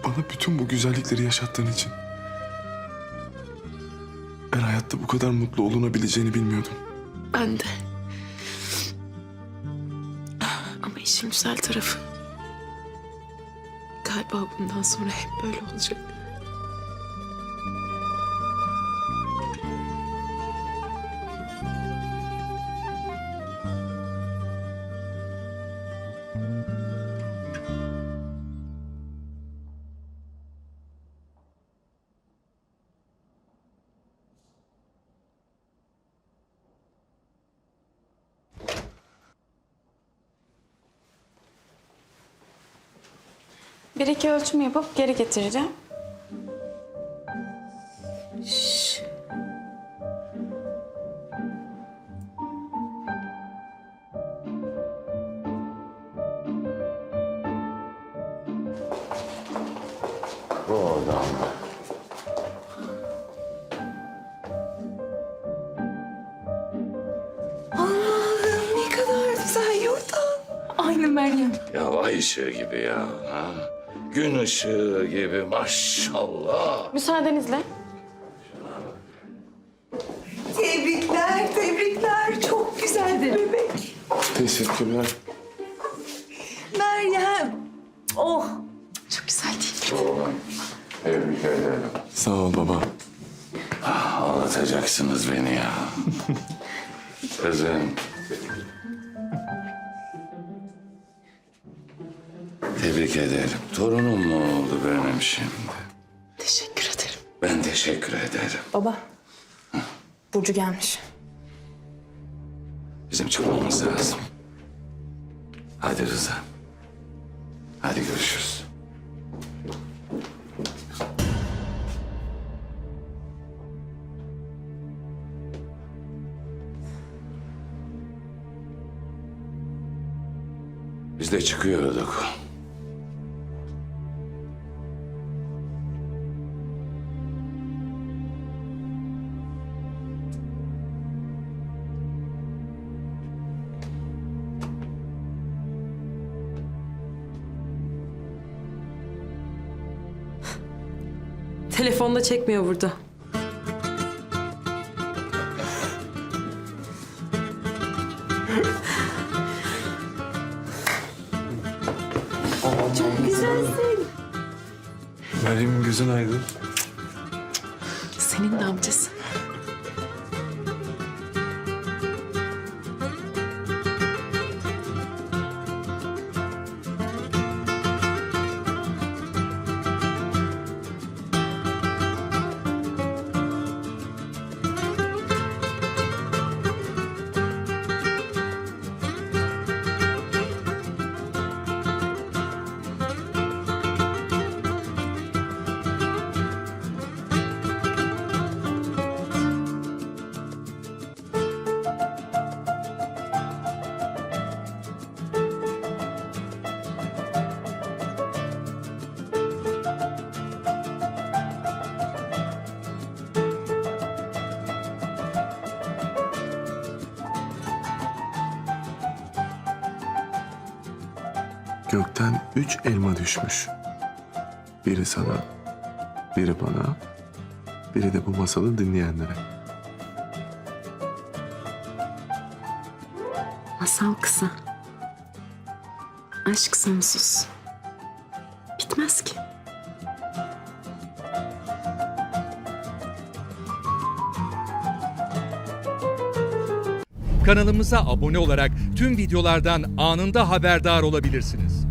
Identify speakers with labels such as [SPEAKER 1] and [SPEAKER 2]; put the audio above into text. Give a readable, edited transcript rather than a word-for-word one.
[SPEAKER 1] Bana bütün bu güzellikleri yaşattığın için. Ben hayatta bu kadar mutlu olunabileceğini bilmiyordum.
[SPEAKER 2] Ben de. Ama işin güzel tarafı. Galiba bundan sonra hep böyle olacak.
[SPEAKER 3] Bir iki ölçüm yapıp geri getireceğim.
[SPEAKER 4] Oradan.
[SPEAKER 2] Ne kadar güzel yurdan. Aynı Meryem.
[SPEAKER 4] Ya ay ışığı gibi ya. Ha? Gün ışığı gibi maşallah.
[SPEAKER 3] Müsaadenizle.
[SPEAKER 5] Tebrikler, tebrikler. Çok güzeldi bebek.
[SPEAKER 1] Teşekkürler.
[SPEAKER 5] Meryem. Oh.
[SPEAKER 2] Çok güzel değil mi?
[SPEAKER 4] Oğlum, tebrik ederim.
[SPEAKER 1] Sağ ol baba.
[SPEAKER 4] Ağlatacaksınız beni ya. Kızım. Tebrik ederim. Torunum mu oldu benim şimdi?
[SPEAKER 2] Teşekkür ederim.
[SPEAKER 4] Ben teşekkür ederim.
[SPEAKER 3] Baba. Burcu gelmiş.
[SPEAKER 4] Bizim çıkmamız lazım. Hadi Rıza. Hadi görüşürüz. Biz de çıkıyorduk.
[SPEAKER 2] Telefonda çekmiyor burada.
[SPEAKER 1] Meryem'in gözün aydın.
[SPEAKER 2] Senin de amcası.
[SPEAKER 1] Gökten 3 elma düşmüş. Biri sana, biri bana, biri de bu masalı dinleyenlere.
[SPEAKER 2] Masal kısa. Aşk sonsuz. Bitmez ki.
[SPEAKER 6] Kanalımıza abone olarak tüm videolardan anında haberdar olabilirsiniz.